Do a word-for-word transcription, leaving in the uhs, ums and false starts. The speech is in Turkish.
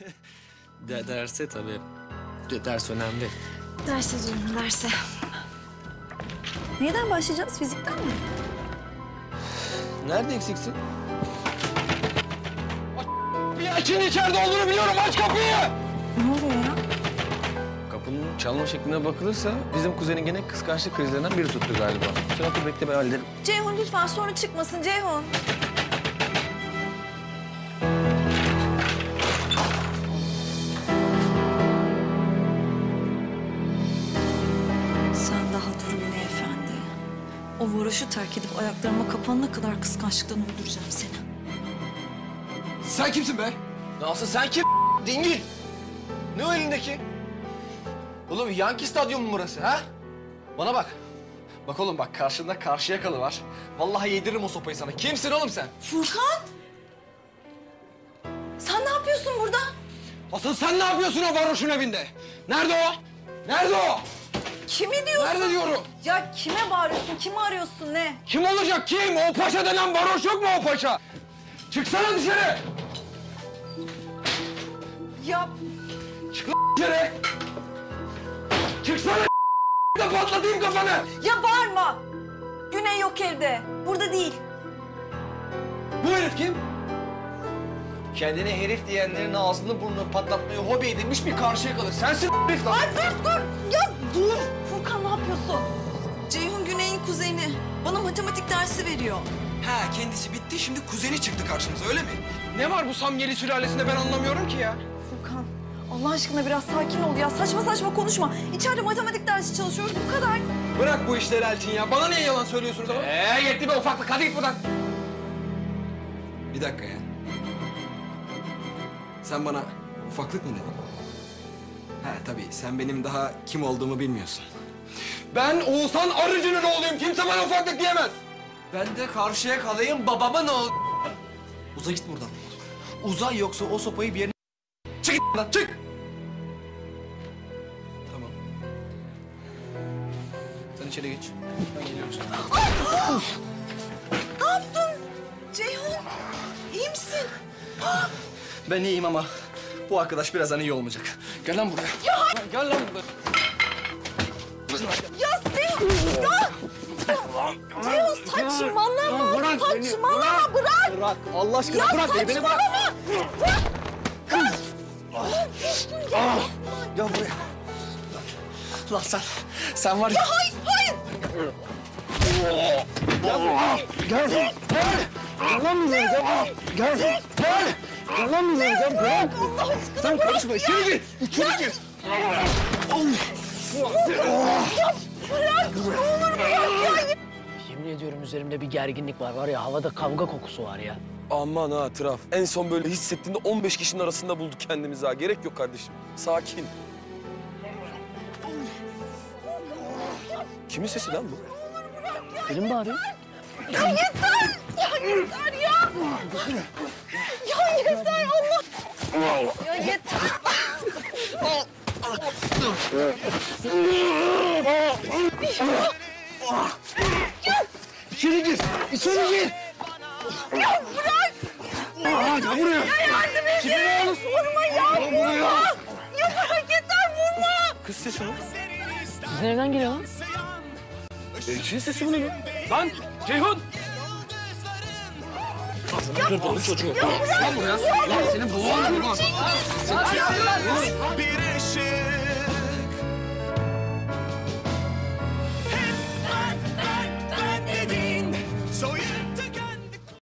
De derse tabii. De ders önemli. Derse diyorum, derse. Neyden başlayacağız? Fizikten mi? Nerede eksiksin? Bir açın, içeride olduğunu biliyorum. Aç kapıyı. Ne oluyor ya? Kapının çalma şekline bakılırsa bizim kuzenin gene kıskançlık krizlerinden biri tuttu galiba. Sen otur bekle, ben hallederim. Ceyhun lütfen sonra çıkmasın Ceyhun. Sen daha dur Güney Efendi. O varoşu terk edip ayaklarıma kapanana kadar kıskançlıktan öldüreceğim seni. Sen kimsin be? Nasıl sen kim? Dingil. Ne o elindeki? Oğlum Yankee Stadyumu mu burası ha? Bana bak. Bak oğlum bak, karşında Karşıyakalı var. Vallahi yediririm o sopayı sana. Kimsin oğlum sen? Furkan! Sen ne yapıyorsun burada? Asıl sen ne yapıyorsun o varoşun evinde? Nerede o? Nerede o? Kimi diyorsun? Nerede diyorum? Ya kime bağırıyorsun? Kimi arıyorsun? Ne? Kim olacak kim? O paşa denen varoş yok mu o paşa? Çıksana dışarı. Ya Çık lan dışarı. Çıksana da patlatayım kafanı. Ya bağırma! Güney yok evde. Burada değil. Bu herif kim? Kendine herif diyenlerin ağzını burnunu patlatmayı hobi edinmiş bir Karşıyakalı. Sensin herif lan. Ay dur dur! Ya dur! Furkan ne yapıyorsun? Ceyhun Güney'in kuzeni. Bana matematik dersi veriyor. Ha kendisi bitti şimdi kuzeni çıktı karşımıza öyle mi? Ne var bu Samyeli sülalesinde ben anlamıyorum ki ya. Furkan Allah aşkına biraz sakin ol ya. Saçma saçma konuşma. İçeride matematik dersi çalışıyoruz bu kadar. Bırak bu işleri Elçin ya. Bana niye yalan söylüyorsunuz ama? Ee yetti be ufaklık, hadi git buradan. Bir dakika ya. Sen bana ufaklık mı dedin? Ha tabii sen benim daha kim olduğumu bilmiyorsun. Ben Oğuzhan Arıcı'nın oğluyum. Kimse bana ufaklık diyemez. Ben de Karşıyakalıyım, babama ne oldu? Uza git buradan. Uza yoksa o sopayı bir yerine... Çık git lan, çık. Tamam. Sen içeri geç. Ben geliyorum sana. Ne yaptın? Ceyhun iyi misin? Ben iyiyim ama bu arkadaş birazdan iyi olmayacak. Gel lan buraya. Ya hayır. Gel lan buraya. Ya Ceyhun! Ya! Ceyhun saçmalama! bırak beni, Saçmalama bırak! Bırak. Allah aşkına Ya bırak beni, beni bırak. saçmalama! Bırak! Gel buraya. Lan sen, sen var ya... Ya hayır, hayır! Gel. Gel. Gel lan buraya. Gel. Gel. Gel. Gel lan buraya. Gel. Bırak. Allah aşkına Sen bırak karışma. ya! İçeri gir. İçeri gir. Bırak! Ne olur bırak ya! Yemin ediyorum üzerimde bir gerginlik var. Var ya havada kavga kokusu var ya. Aman ha Traf. En son böyle hissettiğinde on beş kişinin arasında bulduk kendimizi ha. Gerek yok kardeşim. Sakin. Kimin sesi lan bu? Benim bağırıyor. Ya yeter! Ya yeter ya! Ya yeter Allah! Ya yeter! İçeri gir. İçeri gir. Ya bırak! Aa, gel buraya. Ya yardım edin! Vurma ya! Vurma! Ya bırak yeter vurma! Kız sesi mi? Sizin evden geliyor lan. Elçinin sesi mi lan? Lan Ceyhun! Lan buraya. Lan senin boğazın var.